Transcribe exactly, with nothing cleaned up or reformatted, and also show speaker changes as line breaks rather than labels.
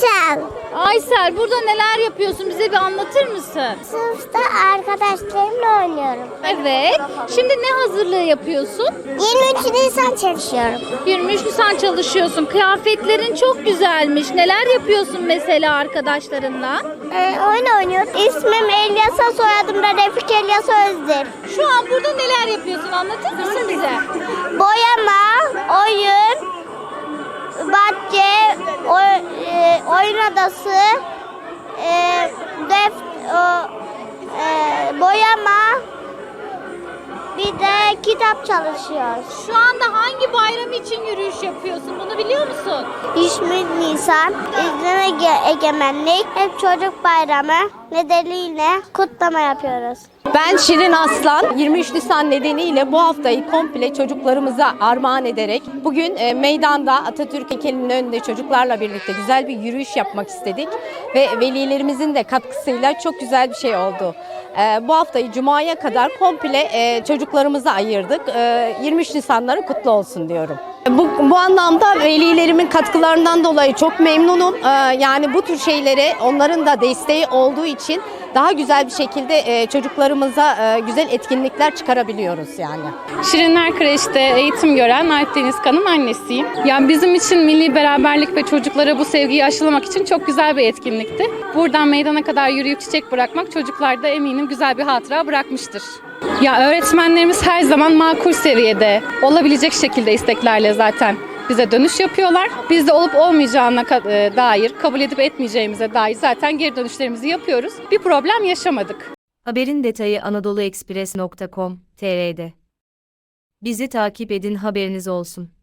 Aysel.
Aysel, burada neler yapıyorsun? Bize bir anlatır mısın?
Sınıfta arkadaşlarımla oynuyorum.
Evet. Şimdi ne hazırlığı yapıyorsun?
yirmi üç Nisan çalışıyorum.
yirmi üç Nisan çalışıyorsun. Kıyafetlerin çok güzelmiş. Neler yapıyorsun mesela arkadaşlarınla?
Ee, oyun oynuyoruz. İsmim Elyasa, soyadım da Refik Elyasa Özdemir.
Şu an burada neler yapıyorsun? Anlatır mısın bize?
Boyama, oyun, bahçe, oy- e, oyun odası, e, def, o, e, boyama, bir de kitap çalışıyoruz.
Şu anda hangi bayram için yürüyüş yapıyorsun? Bunu biliyor musun?
yirmi üç Nisan, İzlem Ege- Egemenlik, hep çocuk bayramı nedeniyle kutlama yapıyoruz.
Ben Şirin Aslan. yirmi üç Nisan nedeniyle bu haftayı komple çocuklarımıza armağan ederek bugün e, meydanda Atatürk heykelinin önünde çocuklarla birlikte güzel bir yürüyüş yapmak istedik ve velilerimizin de katkısıyla çok güzel bir şey oldu. E, bu haftayı Cuma'ya kadar komple e, çocuklarımıza ayırdık. E, yirmi üç Nisanları kutlu olsun diyorum. Bu, bu anlamda velilerimin katkılarından dolayı çok memnunum. Ee, yani bu tür şeylere onların da desteği olduğu için daha güzel bir şekilde e, çocuklarımıza e, güzel etkinlikler çıkarabiliyoruz yani.
Şirinler Kreş'te eğitim gören Alp Deniz Kan'ın annesiyim. Yani bizim için milli beraberlik ve çocuklara bu sevgiyi aşılamak için çok güzel bir etkinlikti. Buradan meydana kadar yürüyüp çiçek bırakmak çocuklarda eminim güzel bir hatıra bırakmıştır. Ya öğretmenlerimiz her zaman makul seviyede, olabilecek şekilde isteklerle zaten bize dönüş yapıyorlar. Biz de olup olmayacağına ka- e, dair, kabul edip etmeyeceğimize dair zaten geri dönüşlerimizi yapıyoruz. Bir problem yaşamadık.
Haberin detayı anadoluekspres nokta com nokta tr'de. Bizi takip edin, haberiniz olsun.